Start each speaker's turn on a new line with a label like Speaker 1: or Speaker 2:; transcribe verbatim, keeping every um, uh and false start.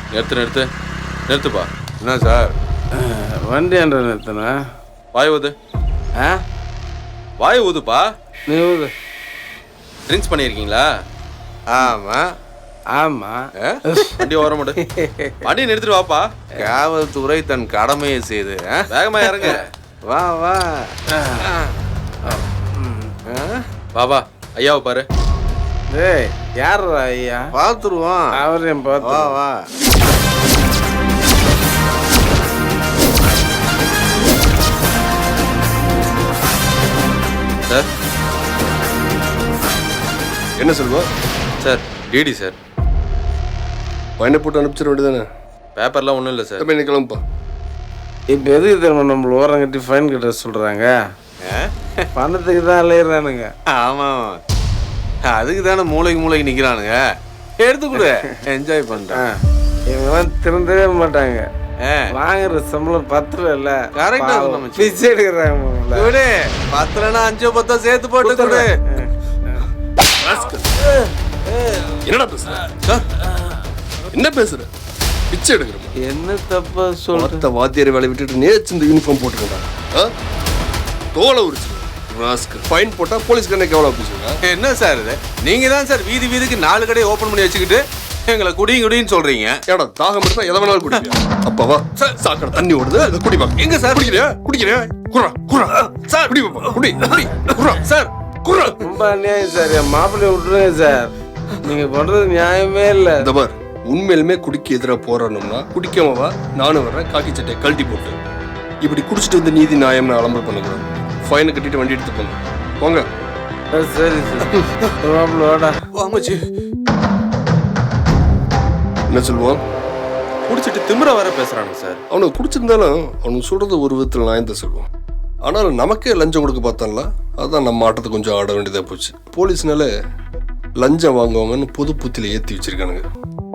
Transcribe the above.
Speaker 1: நிறுத்து நிறுத்து நிறுத்துப்பா.
Speaker 2: என்ன சார்
Speaker 3: வண்டி என்ற நிறுத்தினா
Speaker 1: வாய் ஊது.
Speaker 3: ஆ
Speaker 1: வாய் ஊதுப்பா.
Speaker 3: நீ ஊது.
Speaker 1: ட்ரிங்க்ஸ் பண்ணியிருக்கீங்களா?
Speaker 2: ஆமாம்.
Speaker 3: ஆமாம்.
Speaker 1: வண்டி ஓரம் மாடு. வண்டி நிறுத்திட்டு வாப்பா.
Speaker 2: காவல்துறை தன் கடமையை செய்து
Speaker 1: வேகமா இறங்க.
Speaker 2: வா வா
Speaker 1: வா வா. ஐயாவை பாரு.
Speaker 3: டேய் யார் ஐயா?
Speaker 2: பார்த்துருவோம்.
Speaker 3: அவரையும் பார்த்து
Speaker 2: வா வா.
Speaker 1: சார்
Speaker 4: என்ன சொல்லுவோம்
Speaker 1: சார் டிடி சார்.
Speaker 4: பையனை போட்டு அனுப்பிச்சிட வேண்டியதானே?
Speaker 1: பேப்பர்லாம் ஒன்றும் இல்லை சார்.
Speaker 4: தம்பி நீ கிளம்புப்பா.
Speaker 3: இப்போ எதுக்கு தெரியுமா நம்மள ஓரம் கட்டி ஃபைன் கட்ட சொல்கிறாங்க? பணத்துக்கு தான் அலையிறானுங்க.
Speaker 2: ஆமாம், அதுக்கு தானே மூளைக்கு மூளைக்கு நிற்கிறானுங்க. எடுத்துக்கூட என்ஜாய் பண்ணுறேன்.
Speaker 3: இவங்கெல்லாம் திருந்தவே மாட்டாங்க. வாங்குற சம்பளம் பத்துல இல்ல.
Speaker 2: கரெக்டா
Speaker 3: பிச்சை எடுக்கிறாங்க.
Speaker 2: விடு, பத்துலன்னா அஞ்சோ பத்தோ சேர்த்து போட்டு கொடு.
Speaker 4: என்னடா பேசுற? என்ன பேசுற? பிச்சை எடுக்கிறோம்.
Speaker 3: என்ன தப்பா சொல்ற?
Speaker 4: வாத்தியாரை வேலை விட்டுட்டு நேற்று இந்த யூனிஃபார்ம் போட்டுருக்கா? தோலை உரிச்சு ஃபைன் போட்டா போலீஸ்காரனுக்கு எவ்வளோ பேசுங்க?
Speaker 2: என்ன சார் இது? நீங்க தான் சார் வீதி வீதிக்கு நாலு கடையை ஓபன் பண்ணி வச்சுக்கிட்டு எங்களை குடியும் குடின்னு சொல்றீங்க.
Speaker 4: ஏடா தாகம் எடுத்தா எதை வேணாலும் குடிப்பியா? அப்பாவா சாக்கடை தண்ணி ஓடுது, அதை குடிப்பா.
Speaker 2: எங்க சார்
Speaker 4: குடிக்கிறியா? குடிக்கிறியா? குர்ரா குர்ரா சார் குடி பாப்பா, குடி குடி குர்ரா சார் குர்ரா.
Speaker 3: ரொம்ப அநியாயம் சார். என் மாப்பிள்ளைய விட்டுருங்க சார். நீங்க பண்றது நியாயமே இல்லை.
Speaker 4: இந்த பார், உண்மையிலுமே குடிக்க எதிராக போராடணும்னா குடிக்காமவா நானும் வர்றேன். காக்கி சட்டையை கழட்டி போட்டு இப்படி குடிச்சிட்டு வந்து நீதி நியாயம்னு அலம்பல் பண்ணக்கூடாது. ஃபைனை கட்டிட்டு வண்டி எடுத்து போங்க. போங்க.
Speaker 3: சரி சார். மாப்பிள்ள வாடா.
Speaker 2: வாங்கச்சி.
Speaker 4: என்ன சொல்லுவான்?
Speaker 1: குடிச்சிட்டு திமிர வர பேசுறானுங்க சார்.
Speaker 4: அவனுக்கு குடிச்சிருந்தாலும் அவனுக்கு சொல்றது ஒரு விதத்தில் நான் தான் சொல்லுவான். ஆனாலும் நமக்கே லஞ்சம் கொடுக்க பார்த்தான்ல, அதுதான் நம்ம ஆட்டத்தை கொஞ்சம் ஆட வேண்டியதாக போச்சு. போலீஸ்னால லஞ்சம் வாங்குவாங்கன்னு பொது புத்தியில ஏற்றி வச்சிருக்கானுங்க.